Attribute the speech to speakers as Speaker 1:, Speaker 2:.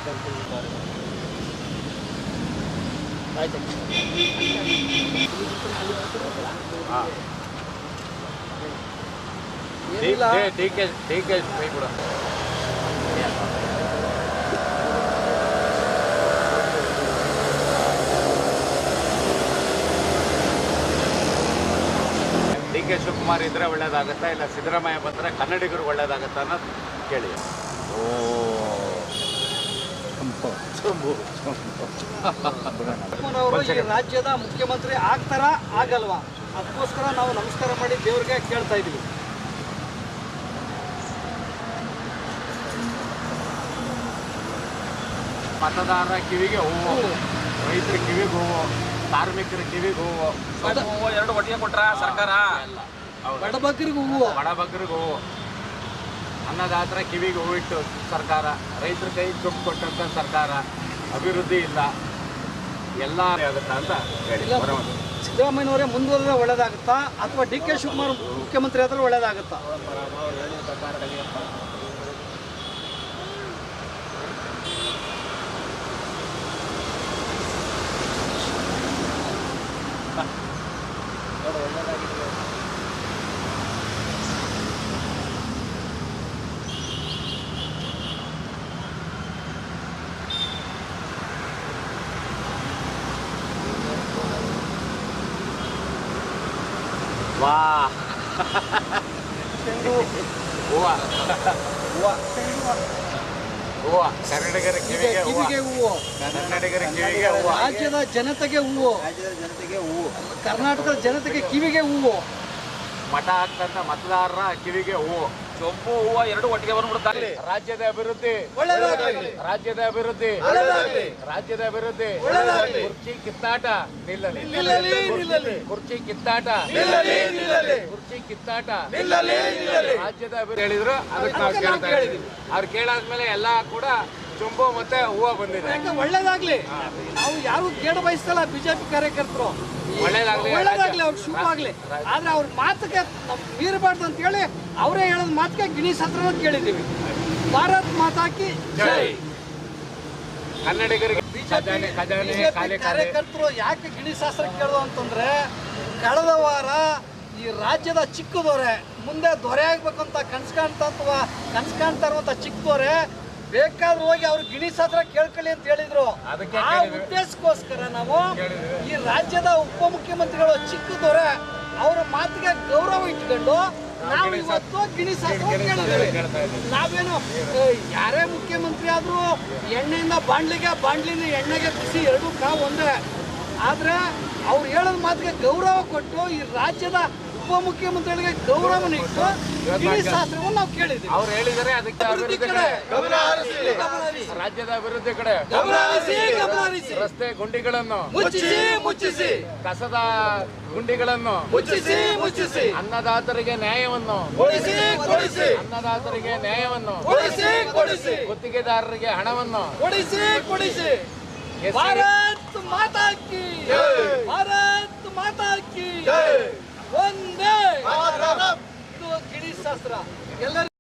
Speaker 1: ಡಿ.ಕೆ. ಶಿವಕುಮಾರ್ ಇದ್ರೆ ಒಳ್ಳೇದಾಗುತ್ತಾ ಇಲ್ಲ ಸಿದ್ದರಾಮಯ್ಯ ಬಂದರೆ ಕನ್ನಡಿಗರು ಒಳ್ಳೇದಾಗುತ್ತಾ ಅನ್ನೋದು ಕೇಳಿ.
Speaker 2: ರಾಜ್ಯದ ಮುಖ್ಯಮಂತ್ರಿ ಆಗ್ತಾರಾ ಆಗಲ್ವಾ? ಅದಕ್ಕೋಸ್ಕರ ನಾವು ನಮಸ್ಕಾರ ಮಾಡಿ ದೇವ್ರಿಗೆ ಕೇಳ್ತಾ ಇದೀವಿ.
Speaker 1: ಮತದಾರರ ಕಿವಿಗೆ ಹೂವು, ರೈತರ ಕಿವಿಗೆ ಹೂವು, ಕಾರ್ಮಿಕರ ಕಿವಿಗೆ ಹೂವು,
Speaker 3: ಎರಡು ಒಟ್ಟಿಗೆ ಕೊಟ್ರ ಸರ್ಕಾರ.
Speaker 2: ಬಡಬಗ್ಗರಿಗೆ ಹೂವು,
Speaker 1: ಹೂವು, ಅನ್ನದಾತರ ಕಿವಿಗೆ ಹೂವಿಟ್ಟು ಸರ್ಕಾರ, ರೈತರ ಕೈ ದುಡ್ಡು ಕೊಟ್ಟಂತ ಸರ್ಕಾರ, ಅಭಿವೃದ್ಧಿ ಇಲ್ಲ, ಎಲ್ಲ ಆಗುತ್ತಾ ಅಂತ ಹೇಳಿ.
Speaker 2: ಸಿದ್ದರಾಮಯ್ಯನವರೇ ಮುಂದುವರೆದ್ರೆ ಒಳ್ಳೇದಾಗುತ್ತಾ ಅಥವಾ ಡಿ.ಕೆ. ಶಿವಕುಮಾರ್ ಮುಖ್ಯಮಂತ್ರಿ ಆದ್ರೆ ಒಳ್ಳೇದಾಗುತ್ತಾ?
Speaker 1: ವಾ ಹೂವ ಹೂವ, ಕನ್ನಡಿಗರ ಕಿವಿಗೆ
Speaker 2: ಹೂವು,
Speaker 1: ಕನ್ನಡಿಗರ ಕಿವಿಗೆ ಹೂವು,
Speaker 2: ರಾಜ್ಯದ ಜನತೆಗೆ ಹೂವು, ಕರ್ನಾಟಕದ ಜನತೆಗೆ ಕಿವಿಗೆ ಹೂವು,
Speaker 1: ಮಠ ಆಗ್ತಂತ ಮತದಾರರ ಕಿವಿಗೆ ಹೂವು,
Speaker 3: ಚೊಂಬು ಹೂವು ಎರಡು ಒಟ್ಟಿಗೆ ಬಂದ್ಬಿಡ್ತಾರೆ.
Speaker 1: ರಾಜ್ಯದ ಅಭಿವೃದ್ಧಿ, ರಾಜ್ಯದ ಅಭಿವೃದ್ಧಿ, ರಾಜ್ಯದ ಅಭಿವೃದ್ಧಿ, ಕುರ್ಚಿ ಕಿತ್ತಾಟ ನಿಲ್ಲಲಿ, ಕುರ್ಚಿ ಕಿತ್ತಾಟ, ಕುರ್ಚಿ ಕಿತ್ತಾಟ, ರಾಜ್ಯದ ಅಭಿವೃದ್ಧಿ ಹೇಳಿದ್ರು. ಅದಕ್ಕೆ ನಾವು ಕೇಳ್ತಾ ಇದ್ದೀವಿ. ಅವ್ರು ಕೇಳಾದ್ಮೇಲೆ ಎಲ್ಲ ಕೂಡ ಚೊಂಬು ಮತ್ತೆ ಹೂವು ಬಂದಿದೆ.
Speaker 2: ಒಳ್ಳೇದಾಗ್ಲಿ. ನಾವು ಯಾರು ಕೇಳ ಬಯಸ್ತಲ್ಲ, ಬಿಜೆಪಿ ಕಾರ್ಯಕರ್ತರು ಒಳ್ಳೇದಾಗ್ಲಿ, ಅವ್ರು ಶುಭ ಆಗ್ಲಿ. ಆದ್ರೆ ಅವ್ರ ಮಾತಿಗೆ ನಾವು ಮೀರಬಾರ್ದು ಅಂತ ಹೇಳಿ ಅವರೇ ಹೇಳೋದ್ ಮಾತಿಗೆ ಗಿಣಿಶಾಸ್ತ್ರ ಕೇಳಿದ್ದೀವಿ. ಭಾರತ್ ಮಾತಾಕಿ ಜೈ.
Speaker 1: ಕನ್ನಡಿಗರಿಗೆ
Speaker 2: ಕಾರ್ಯಕರ್ತರು ಯಾಕೆ ಗಿಣಿಶಾಸ್ತ್ರ ಕೇಳೋದು ಅಂತಂದ್ರೆ, ಕಳೆದ ವಾರ ಈ ರಾಜ್ಯದ ಚಿಕ್ಕ ದೊರೆ ಮುಂದೆ ದೊರೆ ಆಗ್ಬೇಕಂತ ಕನ್ಸು ಕಾಣ್ತಾ ಇರುವಂತ ಚಿಕ್ಕ ದೊರೆ ಬೇಕಾದ್ರೂ ಹೋಗಿ ಅವ್ರು ಗಿಣಿಶಾಸ್ತ್ರ ಕೇಳ್ಕೊಳ್ಳಿ ಅಂತ ಹೇಳಿದ್ರು. ಆ ಉದ್ದೇಶಕ್ಕೋಸ್ಕರ ನಾವು ಈ ರಾಜ್ಯದ ಉಪಮುಖ್ಯಮಂತ್ರಿಗಳು ಚಿಕ್ಕ ದೊರೆ ಅವರ ಮಾತಿಗೆ ಗೌರವ ಇಟ್ಕೊಂಡು ನಾವು ಇವತ್ತು ಗಿಣಿಶಾಸ್ತ್ರ ಕೇಳಿದ್ದೇವೆ. ನಾವೇನು ಯಾರೇ ಮುಖ್ಯಮಂತ್ರಿ ಆದ್ರೂ ಎಣ್ಣೆಯಿಂದ ಬಾಂಡ್ಲಿಂದ ಎಣ್ಣೆಗೆ ಬಿಸಿ ಎರಡೂ ಒಂದೇ. ಆದ್ರೆ ಅವ್ರು ಹೇಳೋದ್ ಮಾತಿಗೆ ಗೌರವ ಕೊಟ್ಟು ಈ ರಾಜ್ಯದ ಉಪಮುಖ್ಯಮಂತ್ರಿಗಳಿಗೆ ಗೌರವ ಇಟ್ಟು ಗಿಣಿಶಾಸ್ತ್ರವನ್ನು ನಾವು ಕೇಳಿದ್ದೀವಿ.
Speaker 1: ಅವ್ರು ಹೇಳಿದರೆ ಅದಕ್ಕೆ ರಾಜ್ಯದ ಅಭಿವೃದ್ಧಿ ಕಡೆ ರಸ್ತೆ ಗುಂಡಿಗಳನ್ನು
Speaker 2: ಮುಚ್ಚಿಸಿ,
Speaker 1: ಕಸದ ಗುಂಡಿಗಳನ್ನು ಮುಚ್ಚಿಸಿ, ಅನ್ನದಾತರಿಗೆ ನ್ಯಾಯವನ್ನು ಅನ್ನದಾತರಿಗೆ ನ್ಯಾಯವನ್ನು ಗುತ್ತಿಗೆದಾರರಿಗೆ ಹಣವನ್ನು ಕೊಡಿಸಿ.
Speaker 2: ಭಾರತ್ ಮಾತಾ ಕಿ, ಭಾರತ್ ಮಾತಾ ಕಿ ಒಂದೇ ಗಿಣಿಶಾಸ್ತ್ರ ಎಲ್ಲರಿಗೂ